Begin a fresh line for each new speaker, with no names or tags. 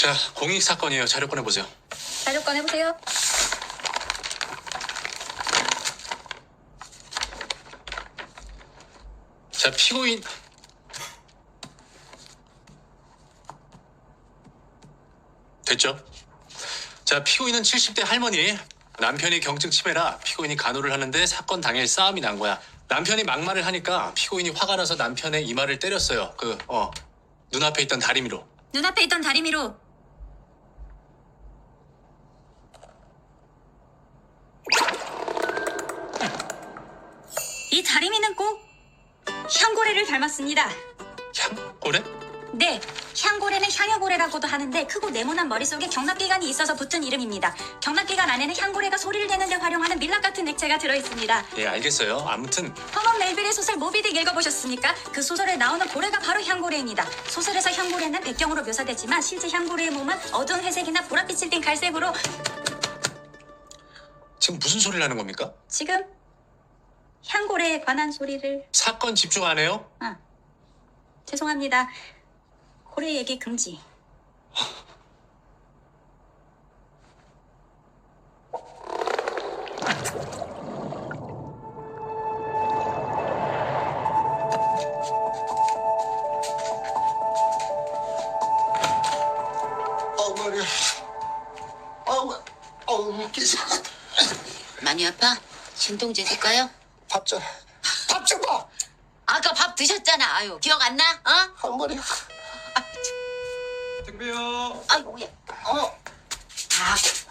자, 공익 사건이에요. 자료 꺼내보세요.
자료 꺼내보세요.
자, 피고인. 됐죠? 자, 피고인은 70대 할머니. 남편이 경증 치매라 피고인이 간호를 하는데 사건 당일 싸움이 난 거야. 남편이 막말을 하니까 피고인이 화가 나서 남편의 이마를 때렸어요. 눈앞에 있던 다리미로.
눈앞에 있던 다리미로. 이 다리미는 꼭 향고래를 닮았습니다.
향고래?
네, 향고래는 향여고래라고도 하는데 크고 네모난 머릿속에 경락기관이 있어서 붙은 이름입니다. 경락기관 안에는 향고래가 소리를 내는 데 활용하는 밀랍 같은 액체가 들어있습니다.
예, 알겠어요. 아무튼
허먼 멜빌의 소설 모비딕 읽어보셨습니까? 그 소설에 나오는 고래가 바로 향고래입니다. 소설에서 향고래는 백경으로 묘사되지만 실제 향고래의 몸은 어두운 회색이나 보랏빛을 띤 갈색으로.
지금 무슨 소리를 하는 겁니까?
지금 향고래에 관한 소리를.
사건 집중 안 해요?
죄송합니다. 고래 얘기 금지.
머리. 기사.
많이 아파? 진통제 줄까요?
밥 좀 봐.
아까 밥 드셨잖아. 아유, 기억 안 나? 어?
할머니.
택배요.
아이고, 야. 아,